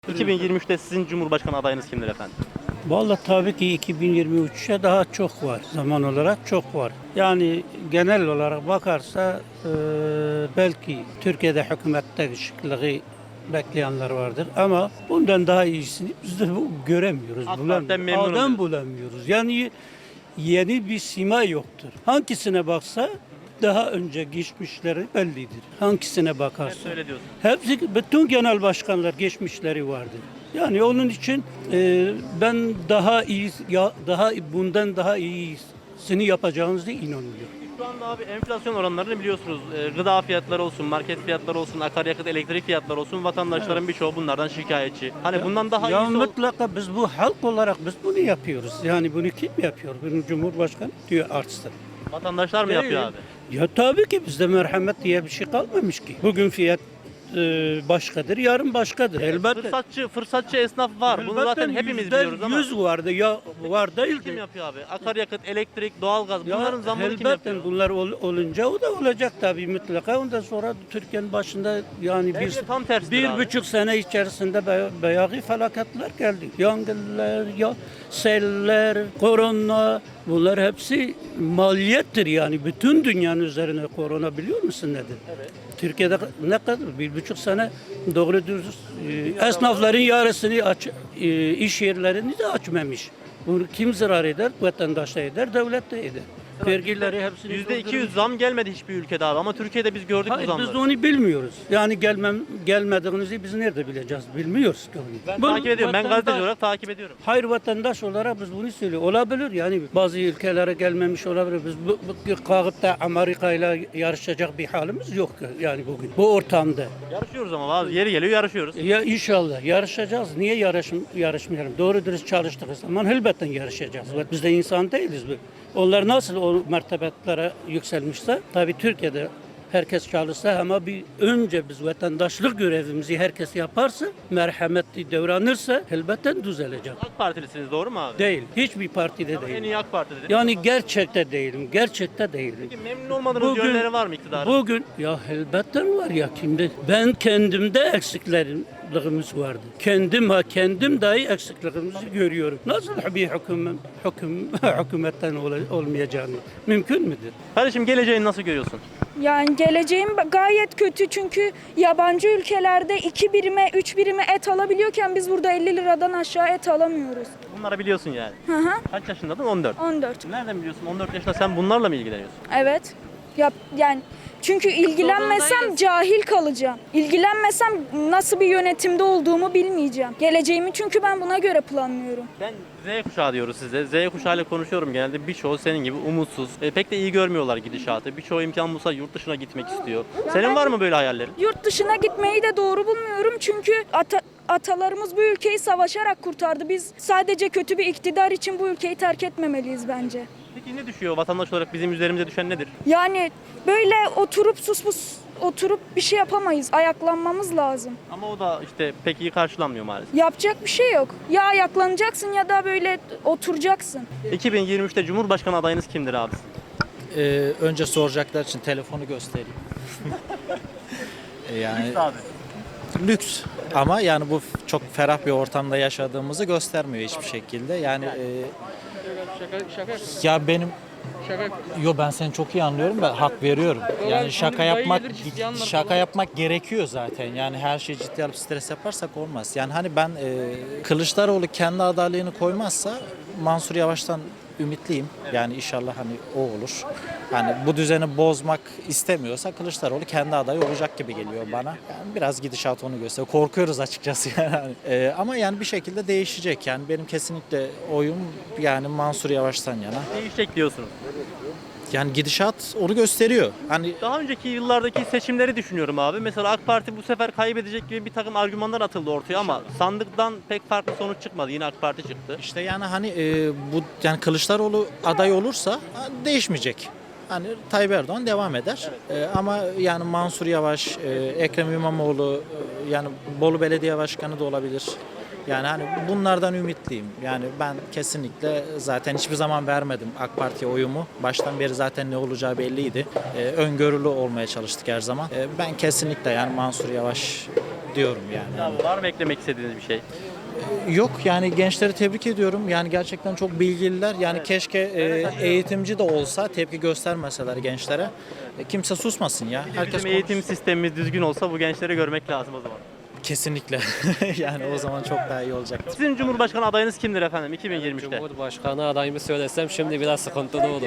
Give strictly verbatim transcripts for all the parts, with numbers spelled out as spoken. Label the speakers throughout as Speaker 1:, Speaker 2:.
Speaker 1: iki bin yirmi üçte sizin Cumhurbaşkanı adayınız kimdir efendim?
Speaker 2: Vallahi tabii ki iki bin yirmi üçe daha çok var. Zaman olarak çok var. Yani genel olarak bakarsa e, belki Türkiye'de hükümette değişikliği bekleyenler vardır ama bundan daha iyisini biz de bu göremiyoruz.
Speaker 1: AK
Speaker 2: Bulam-
Speaker 1: Parti'den memnunum
Speaker 2: Adam
Speaker 1: diyorsun.
Speaker 2: bulamıyoruz. Yani yeni bir sima yoktur. Hangisine baksa daha önce geçmişleri bellidir. Hangisine
Speaker 1: Hep
Speaker 2: bakarsa.
Speaker 1: öyle diyorsun.
Speaker 2: Hepsi, bütün genel başkanlar geçmişleri vardır. Yani onun için e, ben daha iyi, ya, daha bundan daha iyisini yapacağınızı inanıyorum.
Speaker 1: Şu anda abi enflasyon oranlarını biliyorsunuz. Ee, Gıda fiyatları olsun, market fiyatları olsun, akaryakıt, elektrik fiyatları olsun. Vatandaşların birçoğu bunlardan şikayetçi. Hani bundan daha
Speaker 2: ya
Speaker 1: iyisi ol-
Speaker 2: mutlaka biz bu halk olarak biz bunu yapıyoruz. Yani bunu kim yapıyor? Bunu Cumhurbaşkanı diyor artsın.
Speaker 1: vatandaşlar mı yapıyor abi?
Speaker 2: Ya tabii ki bizde merhamet diye bir şey kalmamış ki. Bugün fiyat e, başkadır, yarın başkadır. Elbette.
Speaker 1: Fırsatçı, fırsatçı esnaf var. Bunu zaten hepimiz
Speaker 2: yüzde
Speaker 1: biliyoruz ama
Speaker 2: yüz vardı ya var değil
Speaker 1: kim
Speaker 2: ki.
Speaker 1: yapıyor abi? Akaryakıt, elektrik, doğalgaz
Speaker 2: Ya
Speaker 1: bunların zammını kim
Speaker 2: elbette
Speaker 1: yapıyor?
Speaker 2: bunlar ol- olunca o da olacak tabii mutlaka. Ondan sonra Türkiye'nin başında yani
Speaker 1: Belki
Speaker 2: bir,
Speaker 1: de tam tersidir
Speaker 2: bir
Speaker 1: abi.
Speaker 2: buçuk sene içerisinde be- bayağı felaketler geldi. Yangınlar, ya seller, korona bunlar hepsi maliyettir yani. Bütün dünyanın üzerine korona biliyor musun nedir?
Speaker 1: Evet.
Speaker 2: Türkiye'de ne kadar? Bir buçuk sene doğru dürüst e, esnafların yarısını aç, e, iş yerlerini de açmamış. Bunu kim zarar eder? Vatandaş da eder, devlet de eder. Vergileri hepsini
Speaker 1: yüzde iki yüz
Speaker 2: doldurmuş.
Speaker 1: zam gelmedi hiçbir ülkede abi ama Türkiye'de biz gördük bu
Speaker 2: Hayır,
Speaker 1: zamları.
Speaker 2: biz de onu bilmiyoruz. Yani gelmem gelmediğinizi biz nerede bileceğiz? Bilmiyoruz ki onu.
Speaker 1: Ben
Speaker 2: Bu
Speaker 1: takip ediyorum. Ben
Speaker 2: vatandaş-
Speaker 1: gazeteci olarak takip ediyorum.
Speaker 2: Hayır vatandaş olarak biz bunu söylüyoruz. Olabilir yani bazı ülkelere gelmemiş olabilir. Biz bu, bu kalkıp da Amerika ile yarışacak bir halimiz yok yani bugün. Bu ortamda.
Speaker 1: Yarışıyoruz ama bazı yeri geliyor yarışıyoruz.
Speaker 2: Ya inşallah yarışacağız. Niye yarış, yarışmayalım? Doğru dürüst çalıştığımız zaman elbette yarışacağız. Biz de insan değiliz. Onlar nasıl o mertebetlere yükselmişse tabii Türkiye'de herkes çalışsa ama bir önce biz vatandaşlık görevimizi herkes yaparsa, merhametli davranırsa elbette düzelecek.
Speaker 1: AK Partilisiniz doğru mu abi?
Speaker 2: Değil. Hiçbir partide
Speaker 1: Ama en
Speaker 2: değil.
Speaker 1: iyi AK Parti dediniz.
Speaker 2: Yani gerçekte değilim. Gerçekte değilim.
Speaker 1: Peki memnun olmadığınız yönleri var mı iktidarın?
Speaker 2: Bugün ya elbette var ya kimde? Ben kendimde eksiklerimiz vardı. Kendim ha kendim dahi eksiklerimizi görüyorum. Nasıl bir hüküm, hüküm hükümetten ol- olmayacağını mümkün müdür?
Speaker 1: Kardeşim geleceğini nasıl görüyorsun?
Speaker 3: Yani geleceğim gayet kötü çünkü yabancı ülkelerde iki birime, üç birime et alabiliyorken biz burada elli liradan aşağı et alamıyoruz.
Speaker 1: Bunları biliyorsun yani.
Speaker 3: Hı hı.
Speaker 1: Kaç yaşındadın? on dört.
Speaker 3: on dört.
Speaker 1: Nereden biliyorsun? on dört yaşında sen bunlarla mı ilgileniyorsun?
Speaker 3: Evet. Yap yani çünkü ilgilenmesem cahil kalacağım. İlgilenmesem nasıl bir yönetimde olduğumu bilmeyeceğim. Geleceğimi çünkü ben buna göre planlıyorum.
Speaker 1: Ben Z kuşağı diyoruz size. Z kuşağıyla konuşuyorum genelde. Birçoğu senin gibi umutsuz. E, pek de iyi görmüyorlar gidişatı. Birçoğu imkan bulsa yurt dışına gitmek istiyor. Senin var mı böyle hayallerin?
Speaker 3: Yurt dışına gitmeyi de doğru bulmuyorum çünkü ata- atalarımız bu ülkeyi savaşarak kurtardı. Biz sadece kötü bir iktidar için bu ülkeyi terk etmemeliyiz bence.
Speaker 1: Peki ne düşüyor vatandaş olarak bizim üzerimize düşen nedir?
Speaker 3: Yani böyle oturup sus pus oturup bir şey yapamayız. Ayaklanmamız lazım.
Speaker 1: Ama o da işte pek iyi karşılanmıyor maalesef.
Speaker 3: Yapacak bir şey yok. Ya ayaklanacaksın ya da böyle oturacaksın.
Speaker 1: iki bin yirmi üçte Cumhurbaşkanı adayınız kimdir abi?
Speaker 4: Ee, önce soracaklar için telefonu göstereyim. Ee, yani
Speaker 1: abi.
Speaker 4: lüks ama yani bu f- çok ferah bir ortamda yaşadığımızı göstermiyor hiçbir şekilde. Yani e, ya benim Yo ben seni çok iyi anlıyorum ve hak veriyorum. Yani şaka yapmak şaka yapmak gerekiyor zaten. Yani her şeyi ciddi alıp stres yaparsak olmaz. Yani hani ben e, Kılıçdaroğlu kendi adaylığını koymazsa Mansur Yavaş'tan ümitliyim. Yani inşallah hani o olur. Hani bu düzeni bozmak istemiyorsa Kılıçdaroğlu kendi adayı olacak gibi geliyor bana. Yani biraz gidişat onu gösteriyor. Korkuyoruz açıkçası yani. Ee, ama yani bir şekilde değişecek. Yani benim kesinlikle oyum yani Mansur Yavaş'tan yana.
Speaker 1: Değişecek diyorsunuz.
Speaker 4: Yani gidişat onu gösteriyor. Hani
Speaker 1: Daha önceki yıllardaki seçimleri düşünüyorum abi. Mesela AK Parti bu sefer kaybedecek gibi bir takım argümanlar atıldı ortaya ama sandıktan pek farklı sonuç çıkmadı. Yine AK Parti çıktı.
Speaker 4: işte yani hani e, bu yani Kılıçdaroğlu aday olursa ha, değişmeyecek. Hani Tayyip Erdoğan devam eder. E, ama yani Mansur Yavaş, e, Ekrem İmamoğlu, e, yani Bolu Belediye Başkanı da olabilir. Yani hani bunlardan ümitliyim. Yani ben kesinlikle zaten hiçbir zaman vermedim AK Parti'ye oyumu. Baştan beri zaten ne olacağı belliydi. Ee, öngörülü olmaya çalıştık her zaman. Ee, ben kesinlikle yani Mansur Yavaş diyorum yani.
Speaker 1: Abi var mı eklemek istediğiniz bir şey?
Speaker 4: Yok yani gençleri tebrik ediyorum. Yani gerçekten çok bilgililer. Yani keşke e, eğitimci de olsa tepki göstermeseler gençlere. E, kimse susmasın ya. Herkes
Speaker 1: Bizim eğitim
Speaker 4: konuşsun.
Speaker 1: sistemimiz düzgün olsa bu gençleri görmek lazım o zaman.
Speaker 4: Kesinlikle. Yani o zaman çok daha iyi olacak.
Speaker 1: Sizin Cumhurbaşkanı adayınız kimdir efendim iki bin yirmi üçte?
Speaker 5: Cumhurbaşkanı adayımı söylesem şimdi biraz sıkıntılı olur.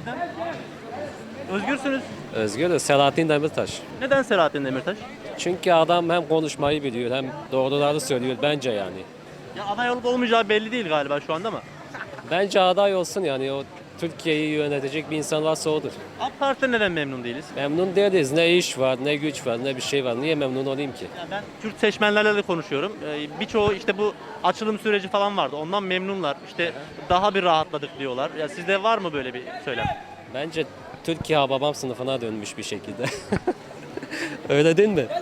Speaker 1: Özgürsünüz.
Speaker 5: Özgür Selahattin Demirtaş.
Speaker 1: Neden Selahattin Demirtaş?
Speaker 5: Çünkü adam hem konuşmayı biliyor hem doğruları söylüyor bence yani.
Speaker 1: Ya aday olup olmayacağı belli değil galiba şu anda ama.
Speaker 5: Bence aday olsun yani o Türkiye'yi yönetecek bir insan varsa odur.
Speaker 1: AK Parti'den neden memnun değiliz?
Speaker 5: Memnun değiliz. Ne iş var, ne güç var, ne bir şey var. Niye memnun olayım ki?
Speaker 1: Ya ben Kürt seçmenlerle de konuşuyorum. Ee, birçoğu işte bu açılım süreci falan vardı. Ondan memnunlar. İşte daha bir rahatladık diyorlar. Ya sizde var mı böyle bir söylem?
Speaker 5: Bence Türkiye babam sınıfına dönmüş bir şekilde. Öyle değil mi?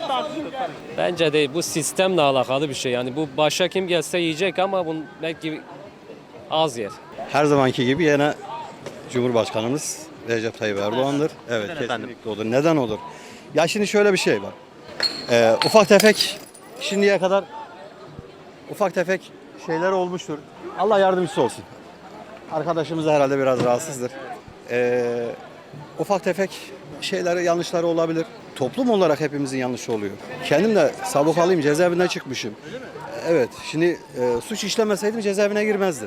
Speaker 5: Bence değil. Bu sistemle alakalı bir şey. Yani bu başa kim gelse yiyecek ama bunu belki az yer.
Speaker 6: Her zamanki gibi yine Cumhurbaşkanımız Recep Tayyip Erdoğan'dır. Evet,
Speaker 1: Neden efendim?
Speaker 6: kesinlikle olur. Neden olur? Ya şimdi şöyle bir şey var. Ee, ufak tefek şimdiye kadar ufak tefek şeyler olmuştur. Allah yardımcısı olsun. Arkadaşımız da herhalde biraz rahatsızdır. Ee, ufak tefek şeyleri, yanlışları olabilir. Toplum olarak hepimizin yanlışı oluyor. Kendim de sabıkalıyım, cezaevinden çıkmışım. Evet, şimdi e, suç işlemeseydim cezaevine girmezdim.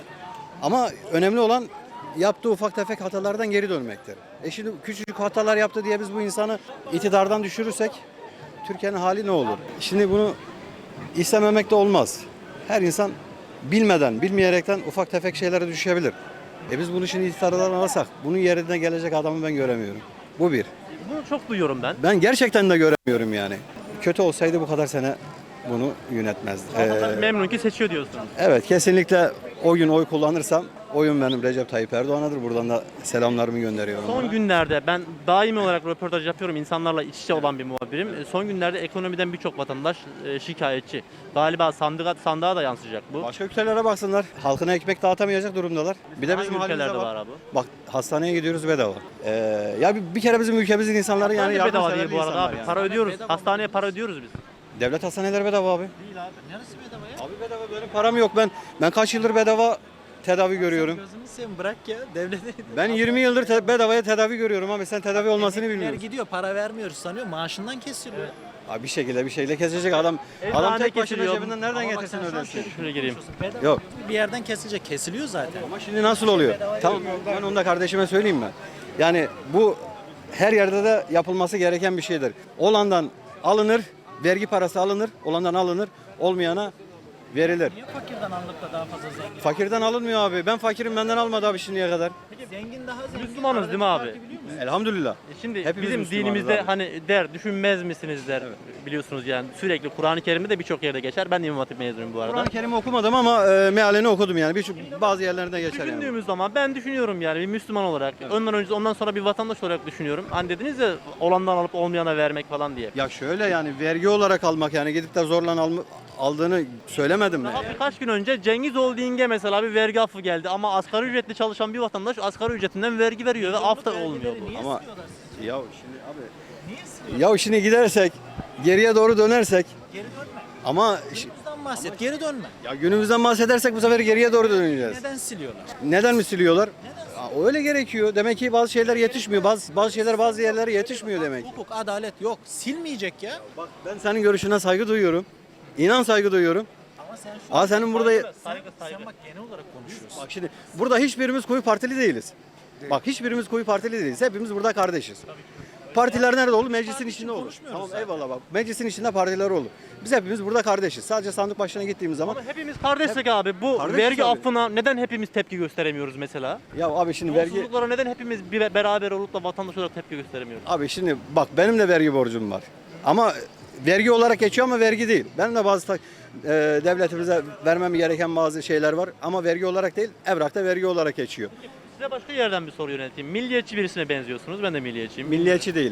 Speaker 6: Ama önemli olan yaptığı ufak tefek hatalardan geri dönmektir. E şimdi küçücük hatalar yaptı diye biz bu insanı iktidardan düşürürsek Türkiye'nin hali ne olur? Şimdi bunu istememek de olmaz. Her insan bilmeden, bilmeyerekten ufak tefek şeylere düşebilir. E biz bunu şimdi iktidardan alırsak bunun yerine gelecek adamı ben göremiyorum. Bu bir.
Speaker 1: Bunu çok duyuyorum ben.
Speaker 6: Ben gerçekten de göremiyorum yani. Kötü olsaydı bu kadar sene bunu yönetmezdi.
Speaker 1: Vatandaş
Speaker 6: Ee,
Speaker 1: memnun ki seçiyor diyorsunuz.
Speaker 6: Evet, kesinlikle o gün oy kullanırsam oyun benim Recep Tayyip Erdoğan'adır. Buradan da selamlarımı gönderiyorum.
Speaker 1: Son
Speaker 6: ona.
Speaker 1: günlerde ben daimi olarak röportaj yapıyorum. İnsanlarla iç içe olan bir muhabirim. E, Son günlerde ekonomiden birçok vatandaş e, şikayetçi. Galiba sandığa, sandığa da yansıyacak bu.
Speaker 6: Başka ülkelere baksınlar. Halkına ekmek dağıtamayacak durumdalar. Bir de
Speaker 1: Hangi
Speaker 6: bizim halimize
Speaker 1: ülkelerde
Speaker 6: bak.
Speaker 1: var abi?
Speaker 6: Bak hastaneye gidiyoruz bedava. Ee, ya bir, bir kere bizim ülkemizin insanları yani
Speaker 1: Yani bedava değil
Speaker 6: yardımseverli
Speaker 1: bu arada
Speaker 6: insanlar
Speaker 1: abi.
Speaker 6: yani.
Speaker 1: Para ödüyoruz.
Speaker 4: bedava
Speaker 1: Hastaneye
Speaker 4: değil.
Speaker 1: para ödüyoruz biz.
Speaker 6: Devlet hastaneleri bedava abi.
Speaker 1: Değil abi.
Speaker 4: Neresi bedava ya?
Speaker 6: Abi bedava, benim param yok. Ben ben kaç yıldır bedava tedavi görüyorum.
Speaker 4: Gözünü seveyim bırak ya. Devlete
Speaker 6: Ben yirmi yıldır te- bedavaya tedavi görüyorum abi. Sen tedavi olmasını
Speaker 4: Emekliler
Speaker 6: bilmiyorsun.
Speaker 4: gidiyor para vermiyoruz sanıyor. Maaşından kesiliyor.
Speaker 6: Abi bir şekilde bir şeyle kesecek adam.
Speaker 1: Eczane
Speaker 6: Adam tek başına
Speaker 1: kesiliyor.
Speaker 6: cebinden nereden
Speaker 4: Ama bak
Speaker 6: getirsin
Speaker 4: sen şu an
Speaker 6: ödesin?
Speaker 4: şey
Speaker 1: Şuraya gireyim.
Speaker 4: Bedava
Speaker 6: Yok.
Speaker 4: bir yerden kesilecek. Kesiliyor zaten.
Speaker 6: Ama şimdi nasıl oluyor? Tamam, ben onu da kardeşime söyleyeyim ben. Yani bu her yerde de yapılması gereken bir şeydir. Olandan alınır, vergi parası alınır, olandan alınır, olmayana verilir.
Speaker 4: Niye fakirden alınıp da daha fazla zengin?
Speaker 6: Fakirden alınmıyor abi. Ben fakirim, benden almadı abi şimdiye kadar.
Speaker 4: Zengin daha zengin.
Speaker 1: Müslümanız değil mi abi?
Speaker 4: Farkı biliyor musun?
Speaker 6: Elhamdülillah.
Speaker 1: E Şimdi
Speaker 6: Hepimiz
Speaker 1: bizim
Speaker 6: Müslümanız
Speaker 1: dinimizde
Speaker 6: abi.
Speaker 1: hani der düşünmez misiniz der biliyorsunuz yani sürekli Kur'an-ı Kerim'de de birçok yerde geçer. Ben de İmam Hatip mezunuyum bu arada.
Speaker 6: Kur'an-ı Kerim'i okumadım ama e, mealini okudum yani. Birçok bazı yerlerinde geçer yani.
Speaker 1: Düşündüğümüz zaman ben düşünüyorum yani bir Müslüman olarak. Ondan önce ondan sonra bir vatandaş olarak düşünüyorum. Hani dediniz ya olandan alıp olmayana vermek falan diye.
Speaker 6: Ya şöyle yani vergi olarak almak yani gidip de zorla alma, aldığını söylemedim mi?
Speaker 1: Daha birkaç gün önce Cengiz Holding'e mesela bir vergi affı geldi ama asgari ücretli çalışan bir vatandaş asgari ücretinden vergi veriyor ve af da olmuyor bu.
Speaker 4: Niye
Speaker 6: Ama-
Speaker 4: istiyorlar?
Speaker 6: Ya şimdi abi.
Speaker 4: Niye istiyorlar?
Speaker 6: Ya şimdi gidersek geriye doğru dönersek
Speaker 4: Geri dönme.
Speaker 6: ama ş-
Speaker 4: Günümüzden bahset. Geri dönme.
Speaker 6: ya günümüzden bahsedersek bu sefer geriye doğru döneceğiz.
Speaker 4: Neden siliyorlar?
Speaker 6: Neden mi siliyorlar? Ya öyle gerekiyor. Demek ki bazı şeyler yetişmiyor. Bazı bazı şeyler bazı yerlere yetişmiyor demek.
Speaker 4: Hukuk, adalet yok. Silmeyecek ya.
Speaker 6: Bak ben senin görüşüne saygı duyuyorum. İnan saygı duyuyorum.
Speaker 4: Ama sen şu
Speaker 6: Aa senin burada
Speaker 1: Saygı saygı.
Speaker 4: sen bak genel olarak konuşuyorsun.
Speaker 6: bak şimdi burada hiçbirimiz koyu partili değiliz. Bak hiçbirimiz koyu partili değiliz. Hepimiz burada kardeşiz. Partiler nerede olur? Meclisin içinde olur.
Speaker 4: konuşmuyoruz
Speaker 6: Tamam
Speaker 4: zaten.
Speaker 6: eyvallah bak. Meclisin içinde partiler olur. Biz hepimiz burada kardeşiz. Sadece sandık başına gittiğimiz zaman
Speaker 1: Ama hepimiz kardeşsek abi bu
Speaker 6: Kardeşiz
Speaker 1: vergi
Speaker 6: abi.
Speaker 1: affına neden hepimiz tepki gösteremiyoruz mesela?
Speaker 6: ya abi şimdi vergi
Speaker 1: Yolsuzluklara neden hepimiz bir beraber olup da vatandaş olarak tepki gösteremiyoruz?
Speaker 6: abi şimdi bak benim de vergi borcum var. Ama vergi olarak geçiyor ama vergi değil. Benim de bazı ta- e, devletimize vermem gereken bazı şeyler var ama vergi olarak değil, evrakta vergi olarak geçiyor.
Speaker 1: Size başka yerden bir soru yönelteyim. Milliyetçi birisine benziyorsunuz. Ben de milliyetçiyim.
Speaker 6: Milliyetçi değilim.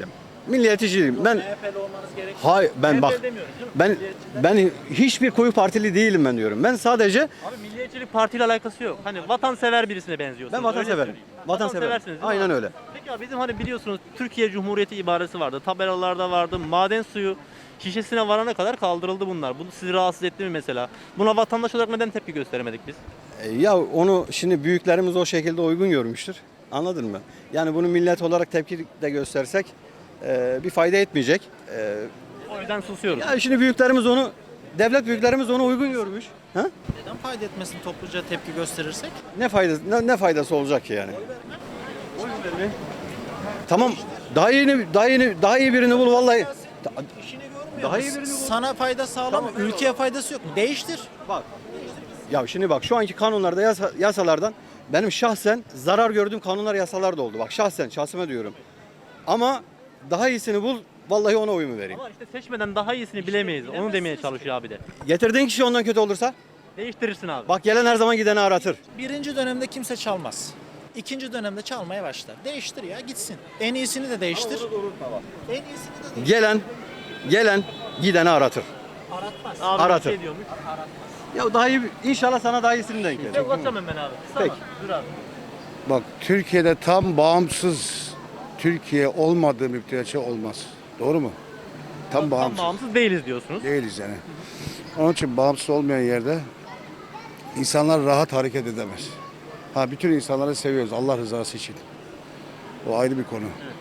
Speaker 6: milliyetçiyim. Ben Hayır ben bak ben ben hiçbir koyu partili değilim ben diyorum. Ben sadece
Speaker 1: Abi milliyetçilik partiyle alakası yok. Hani vatansever birisine benziyorsunuz.
Speaker 6: ben
Speaker 1: öyle
Speaker 6: vatanseverim.
Speaker 1: söyleyeyim.
Speaker 6: Vatanseverim.
Speaker 1: Vatanseversiniz değil mi
Speaker 6: Aynen
Speaker 1: abi?
Speaker 6: öyle.
Speaker 1: Peki abi bizim hani biliyorsunuz Türkiye Cumhuriyeti ibaresi vardı. Tabelalarda vardı. Maden suyu şişesine varana kadar kaldırıldı bunlar. Bu sizi rahatsız etti mi mesela? Buna vatandaş olarak neden tepki gösteremedik biz?
Speaker 6: E, Ya onu şimdi büyüklerimiz o şekilde uygun görmüştür. Anladın mı? Yani bunu millet olarak tepki de göstersek e, bir fayda etmeyecek. E,
Speaker 1: O yüzden susuyoruz.
Speaker 6: ya şimdi büyüklerimiz onu, devlet büyüklerimiz onu uygun görmüş. Ha?
Speaker 4: Neden fayda etmesin topluca tepki gösterirsek?
Speaker 6: Ne faydası ne, ne faydası olacak ki yani? Oy verme. Tamam. Daha yeni daha yeni daha iyi birini bul vallahi.
Speaker 4: İşini görmüyor
Speaker 6: Daha iyi
Speaker 4: musun?
Speaker 6: birini bul.
Speaker 4: Sana fayda sağlamıyor.
Speaker 6: Tamam,
Speaker 4: Ülkeye faydası yok mu? Değiştir.
Speaker 6: Bak. Ya şimdi bak şu anki kanunlarda yasa- yasalardan benim şahsen zarar gördüğüm kanunlar yasalar da oldu. Bak şahsen şahsıma diyorum. Ama daha iyisini bul vallahi ona oyumu vereyim.
Speaker 1: Ama işte seçmeden daha iyisini bilemeyiz. Onu demeye çalışıyor abi de.
Speaker 6: Getirdiğin kişi ondan kötü olursa
Speaker 1: Değiştirirsin abi.
Speaker 6: bak gelen her zaman gideni aratır.
Speaker 4: Birinci dönemde kimse çalmaz. İkinci dönemde çalmaya başlar. Değiştir ya gitsin. En iyisini de değiştir. En iyisini de değiştir.
Speaker 6: Gelen gelen gideni aratır.
Speaker 4: Aratmaz.
Speaker 1: Abi
Speaker 6: Aratır.
Speaker 1: bir şey diyormuş.
Speaker 6: Ya daha iyi inşallah sana daha iyisini denk gelir.
Speaker 1: Ben uzatacağım hemen abi.
Speaker 6: Peki.
Speaker 1: Tamam. Dur abi.
Speaker 7: Bak Türkiye'de tam bağımsız Türkiye olmadığı müddetçe olmaz. Doğru mu? Tam
Speaker 1: Tam
Speaker 7: bağımsız
Speaker 1: bağımsız değiliz diyorsunuz.
Speaker 7: değiliz yani. Onun için bağımsız olmayan yerde insanlar rahat hareket edemez. Ha bütün insanları seviyoruz Allah rızası için. O ayrı bir konu.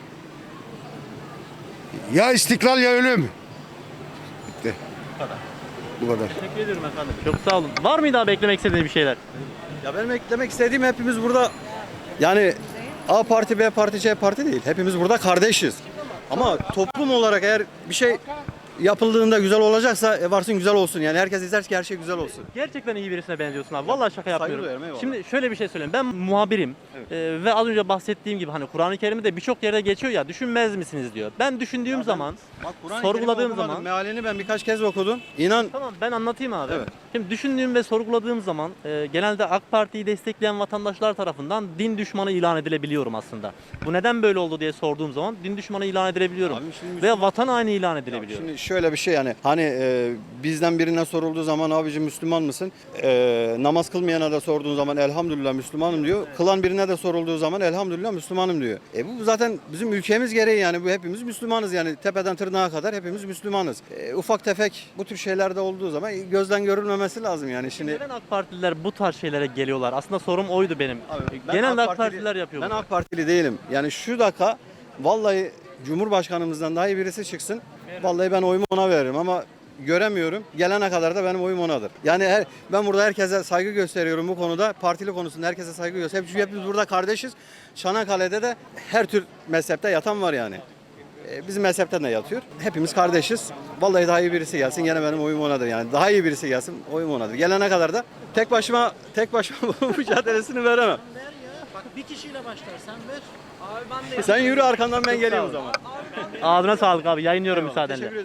Speaker 7: Ya istiklal ya ölüm. Bitti.
Speaker 1: Bu kadar.
Speaker 7: Bu kadar.
Speaker 1: Teşekkür ederim efendim. Çok sağ olun. Var mı daha beklemek istediğiniz bir şeyler?
Speaker 6: Ya benim eklemek istediğim hepimiz burada yani A parti, B parti, C parti değil. Hepimiz burada kardeşiz. Ama toplum olarak eğer bir şey yapıldığında güzel olacaksa e, varsın güzel olsun. Yani herkes ister ki her şey güzel olsun.
Speaker 1: Gerçekten iyi birisine benziyorsun abi. Vallahi şaka yapmıyorum.
Speaker 6: duyarım, eyvallah.
Speaker 1: Şimdi şöyle bir şey söyleyeyim. Ben muhabirim. Ee, ve az önce bahsettiğim gibi hani Kur'an-ı Kerim'de birçok yerde geçiyor ya düşünmez misiniz diyor. Ben düşündüğüm zaman,
Speaker 6: Bak, Kur'an-ı
Speaker 1: sorguladığım
Speaker 6: Kerim'i okumadım.
Speaker 1: zaman
Speaker 6: mealini ben birkaç kez okudum. İnan
Speaker 1: tamam ben anlatayım abi.
Speaker 6: Evet.
Speaker 1: Şimdi düşündüğüm ve sorguladığım zaman e, genelde AK Parti'yi destekleyen vatandaşlar tarafından din düşmanı ilan edilebiliyorum aslında. Bu neden böyle oldu diye sorduğum zaman din düşmanı ilan edilebiliyorum.
Speaker 6: Abi şimdi
Speaker 1: Veya vatan haini ilan
Speaker 6: Ya
Speaker 1: edilebiliyorum.
Speaker 6: Şimdi şöyle bir şey yani hani e, bizden birine sorulduğu zaman abici Müslüman mısın? E, namaz kılmayana da sorduğun zaman elhamdülillah Müslümanım diyor. Kılan birine de sorulduğu zaman elhamdülillah Müslümanım diyor. E bu zaten bizim ülkemiz gereği yani bu hepimiz Müslümanız yani tepeden tırnağa kadar hepimiz Müslümanız. E, ufak tefek bu tür şeylerde olduğu zaman gözden görülmemesi lazım yani şimdi.
Speaker 1: Neden AK Partililer bu tarz şeylere geliyorlar? Aslında sorum oydu benim.
Speaker 6: Abi, ben
Speaker 1: Genelde AK,
Speaker 6: AK Partili-
Speaker 1: Partililer yapıyor
Speaker 6: Ben
Speaker 1: bunu.
Speaker 6: AK Partili değilim. Yani şu dakika vallahi Cumhurbaşkanımızdan daha iyi birisi çıksın. Vallahi ben oyumu ona veririm ama göremiyorum. Gelene kadar da benim oyum onadır. Yani her, ben burada herkese saygı gösteriyorum bu konuda. Partili konusunda herkese saygı gösteriyorum. Çünkü hepimiz burada kardeşiz. Çanakkale'de de her tür mezhepte yatan var yani. Ee, Bizim mezhepten de yatıyor. Hepimiz kardeşiz. Vallahi daha iyi birisi gelsin gene benim oyum onadır yani. Daha iyi birisi gelsin oyum onadır. Gelene kadar da tek başıma tek başıma bu mücadelesini veremem.
Speaker 4: Ver ya. Bak bir kişiyle başlar sen ver.
Speaker 6: Sen yürü arkandan ben geleyim o zaman.
Speaker 1: Ağzına sağlık abi. Yayınlıyorum müsaadenle.
Speaker 6: Teşekkür